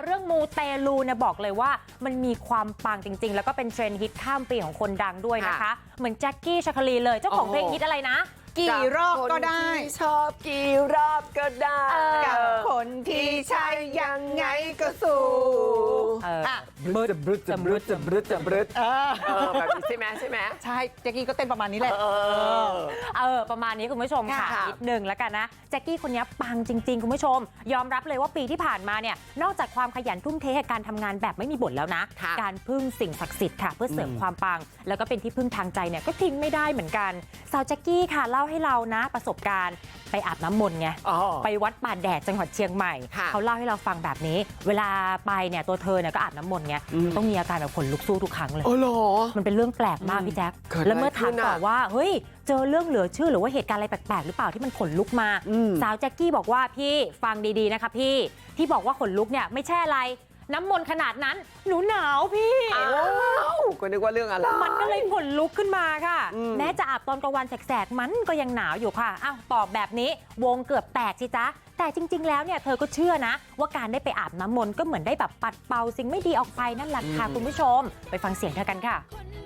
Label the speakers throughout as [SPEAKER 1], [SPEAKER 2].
[SPEAKER 1] เรื่องมูเตลูเนี่ยบอกเลยว่ามันมีความปังจริงๆแล้วก็เป็นเทรนด์ฮิตข้ามปีของคนดังด้วยนะคะเหมือนแจ็คกี้ชาคลีเลยเจ้าของเพลงฮิตอะไรนะ
[SPEAKER 2] กี่รอบก็ได้
[SPEAKER 3] ชอบกี่รอบก็ได้
[SPEAKER 2] กับคนที่ใช่ยังไงก็สู้
[SPEAKER 3] บรึดบรึดจะบรึดจะบรึดจะบรึดแบบนี้ใช่ไหม
[SPEAKER 2] ใช่แจ็คกี้ก็เต้นประมาณนี้แหละ
[SPEAKER 1] ประมาณนี้คุณผู้ชมค่ะนิดนึงแล้วกันนะแจ็คกี้คนนี้ปังจริงๆคุณผู้ชมยอมรับเลยว่าปีที่ผ่านมาเนี่ยนอกจากความขยันทุ่มเทให้การทำงานแบบไม่มีบ่นแล้วนะการพึ่งสิ่งศักดิ์สิทธิ์ค่ะเพื่อเสริมความปังแล้วก็เป็นที่พึ่งทางใจเนี่ยก็ทิ้งไม่ได้เหมือนกันสาวแจ็คกี้ค่ะเล่าให้เรานะประสบการณ์ไปอาบน้ำมนต์ไงไปวัดป่าแดดจังหวัดเชียงใหม่เขาเล่าให้เราฟังแบบนี้เวลาไปเนี่ยตัวเธอเนี่ยก็อาบน้ำมนต์ไงต้องมีอาการแบบขนลุกสู้ทุกครั้งเลยมันเป็นเรื่องแปลกมากพี่แจ๊คแล้วเมื่อถามต่อว่าเฮ้ยเจอเรื่องเหลือเชื่อหรือว่าเหตุการณ์อะไรแปลกๆหรือเปล่าที่มันขนลุกมาสาวแจ็คกี้บอกว่าพี่ฟังดีๆนะคะพี่ที่บอกว่าขนลุกเนี่ยไม่ใช่อะไรน้ำมนต์ขนาดนั้นหนูหนาวพี่
[SPEAKER 3] ก็นึกว่าเรื่องอะไร
[SPEAKER 1] มันก็เลยขนลุกขึ้นมาค่ะแม้จะอาบตอนกลางวันแสกๆมันก็ยังหนาวอยู่ค่ะอ้าวตอบแบบนี้วงเกือบแตกสิจ๊ะแต่จริงๆแล้วเนี่ยเธอก็เชื่อนะว่าการได้ไปอาบน้ำมนต์ก็เหมือนได้แบบปัดเป่าสิ่งไม่ดีออกไปนั่นแหละค่ะคุณผู้ชมไปฟังเสียงเธอกันค่ะ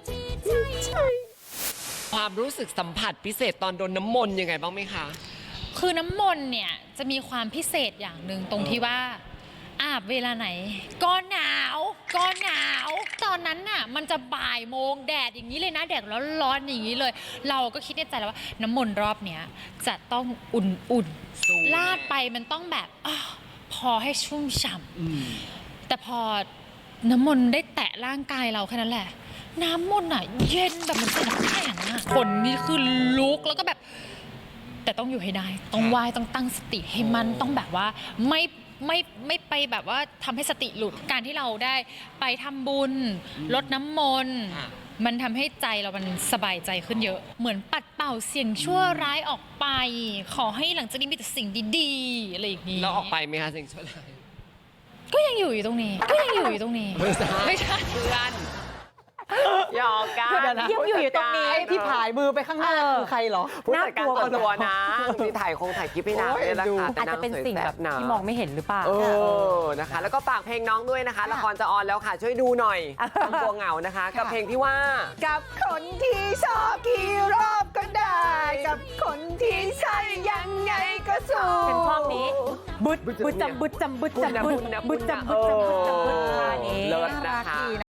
[SPEAKER 3] ความรู้สึกสัมผัสพิเศษตอนโดนน้ำมนต์ยังไงบ้างไหมคะ
[SPEAKER 4] คือน้ำมนต์เนี่ยจะมีความพิเศษอย่างหนึ่งตรงที่ว่าอาบเวลาไหนก็หนาวตอนนั้นน่ะมันจะบ่ายโมงแดดอย่างนี้เลยนะแดดร้อนๆอย่างนี้เลยเราก็คิดในใจแล้วว่าน้ำมนต์รอบเนี้ยจะต้องอุ่นๆลาดไปมันต้องแบบพอให้ชุ่มฉ่ำแต่พอน้ำมนต์ได้แตะร่างกายเราแค่นั้นแหละน้ำมนต์อ่ะเย็นแบบมันเป็นน้ำแข็งอ่ะคนนี่คือลุกแล้วก็แบบแต่ต้องอยู่ให้ได้ต้องไหว้ต้องตั้งสติให้มันต้องแบบว่าไม่ไปแบบว่าทำให้สติหลุดการที่เราได้ไปทำบุญลดน้ำมนต์มันทำให้ใจเรามันสบายใจขึ้นเยอะเหมือนปัดเป่าสิ่งชั่วร้ายออกไปขอให้หลังจากนี้มีแต่สิ่งดีๆอะไรอย่างนี้
[SPEAKER 3] แล้วออกไปไหมคะสิ่งชั่วร้าย
[SPEAKER 4] ก็ยังอยู่ตรงนี้ไม่ใช่
[SPEAKER 3] เพื่อนหยอกกัน
[SPEAKER 1] ยังอยู่ตรงนี้
[SPEAKER 2] ที่ผายมือไปข้างหน้าคือใครเหรอ
[SPEAKER 3] ผู้จัดการตัวนะมีถ่ายคลิปให้นางเลยละค่ะ
[SPEAKER 1] อาจจะเป็นสิ่งแบบที่มองไม่เห็นหรือเปล่า
[SPEAKER 3] นะคะแล้วก็ฝากเพลงน้องด้วยนะคะละครจะออนแล้วค่ะช่วยดูหน่อยทำตัวเหงานะคะกับเพลงที่ว่า
[SPEAKER 2] กับคนที่ชอบกี่รอบก็ได้กับคนที่ใช่ยังไงก็สู้
[SPEAKER 1] เป็นช่องนี้บุดจำบุด
[SPEAKER 3] เลิศนะคะ